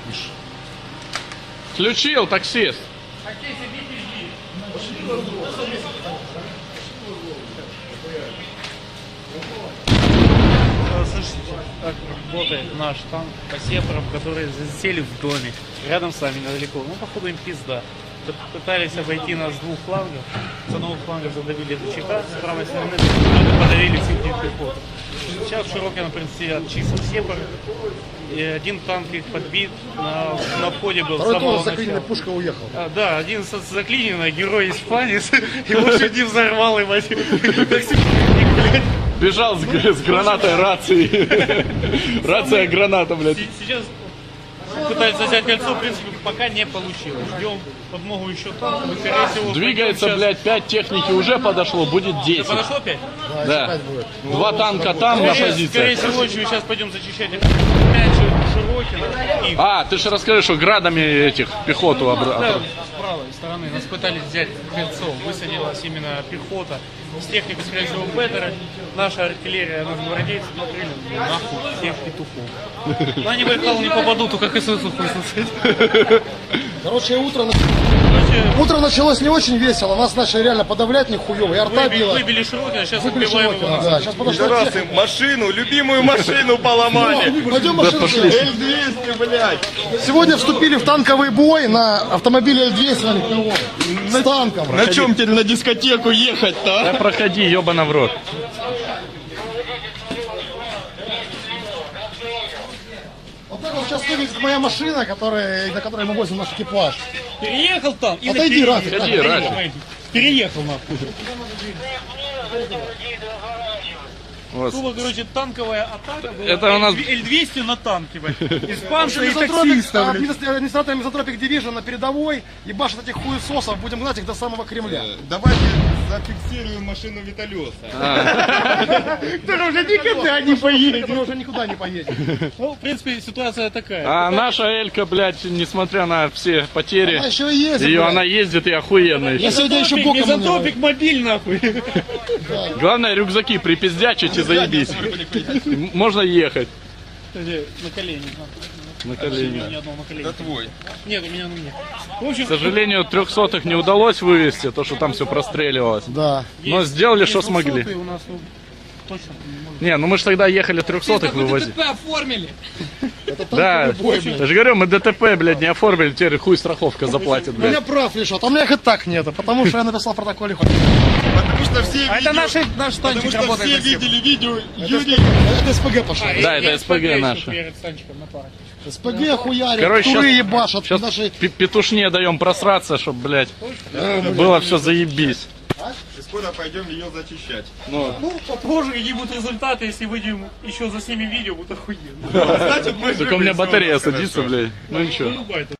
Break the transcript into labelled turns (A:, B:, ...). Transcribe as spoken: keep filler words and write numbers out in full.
A: Включил, таксист.
B: Слушайте, как работает наш танк по сепарам, которые засели в доме, рядом с нами недалеко. Ну, походу, им пизда. Пытались обойти нас с двух флангов. С одного фланга задавили ДЧК, с правой стороны подавили всех пехоту. Сейчас в Широкино, в принципе, чисто сепар. И один танк их подбит, на, на входе был.
C: Второй тоже заклиненная пушка уехал.
B: А, да, один заклиненный, герой испанец, его чуть не взорвал, и мать.
A: Бежал с, с гранатой рации. Рация граната, блядь.
B: Сейчас пытаются взять кольцо, в принципе, пока не получилось. Ждем подмогу еще танков, и, скорее всего...
A: Двигается,
B: сейчас...
A: блядь, пять техники уже подошло, будет десять.
B: Подошло пять?
A: Да.
C: Да. Будет.
A: Два танка там на
B: Скорее,
A: позиции.
B: скорее всего, сейчас пойдем зачищать пять Широкино. И...
A: А, ты же расскажи, что градами этих пехоту обра...
B: Да, с правой стороны нас пытались взять кольцо, высадилась именно пехота. С техникой, скорее всего, Беттера. Наша артиллерия, наши гвардейцы накрыли нахуй всех петухов. Но они в Байкал не попадут, только КСС хуй сосать.
C: Короче, утро, утро началось не очень весело. Нас начали реально подавлять нихуево. И арта
B: Выбили,
C: била.
B: выбили Широкино, сейчас
C: Выбили
B: убиваем
C: Широкино,
B: его.
C: да. Сейчас подошла
D: Пидорасы,
C: техника.
D: машину, любимую машину поломали.
C: Пойдем машину.
D: эль двести, блядь.
C: Сегодня вступили в танковый бой на автомобиле эль двести на легковом. С танком.
D: На чем теперь на дискотеку ехать-то,
A: Да
D: а?
A: проходи, ебана в рот.
C: Вот так вот сейчас выглядит моя машина, которая, на которой мы возим наш экипаж.
B: Переехал там и
C: Отойди,
B: на
C: Рафик.
A: Ходи, Рафик.
B: Переехал нахуй.
A: Вот.
B: Тупо, короче, танковая атака была.
A: Это у нас-
B: эль двести на танке, блядь. Испанцы и
C: Мизантропик,
B: таксиста,
C: а,
B: блядь.
C: администра- администратор Мизантропик Division на передовой и башат этих хуесосов. Будем гнать их до самого Кремля.
D: Давайте зафиксируем машину Виталиоса.
B: Который уже никогда не поедет.
C: Мы уже никуда не поедем.
B: Ну, в принципе, ситуация такая.
A: А наша Элька, блядь, несмотря на все потери,
C: Она еще и ездит.
A: ее
C: блядь.
A: она ездит и охуенно.
C: Я сегодня еще боком
B: Мизантропик мобиль, нахуй.
A: Главное, рюкзаки припиздячить и заебись. Можно ехать
B: На колени.
A: на
B: У
A: колени.
B: меня одного на колени.
D: Это твой.
B: Нет, у меня на мне. В общем,
A: К сожалению, трехсотых не удалось вывести, то, что там все простреливалось.
C: Да.
A: Но сделали,
B: есть
A: что смогли.
B: двухсотые у нас, ну, точно.
A: Не, ну мы же тогда ехали трехсотых вывозить.
B: оформили.
A: Да, я же говорю, мы ДТП, блядь, не оформили, теперь хуй страховка заплатит,
C: У меня
A: блядь.
C: прав лишат, а у меня их и так нету, потому что я написал в протоколе хоть.
D: Потому что все
B: А
D: видео...
B: это наши, наш
D: Потому
B: танчик
D: что
B: работает.
D: все
B: на сепар.
D: видели видео Юрий...
C: Это СПГ пошел.
A: Да, это СПГ
B: еще
A: наши.
B: перед танчиком на паре.
C: СПГ хуярят,
A: Короче,
C: туры
A: щас-
C: ебашат.
A: Сейчас
C: Наши...
A: петушне даем просраться, чтоб, блядь, было все заебись.
D: И скоро пойдем ее зачищать.
A: Ну,
B: Ну, попозже какие будут результаты, если выйдем еще заснимем видео, будет охуенно.
D: Значит, мы
A: только у меня
D: живы,
A: батарея
D: всё,
A: садится,
D: хорошо.
A: блядь. Ну ничего.
B: Вырубай это.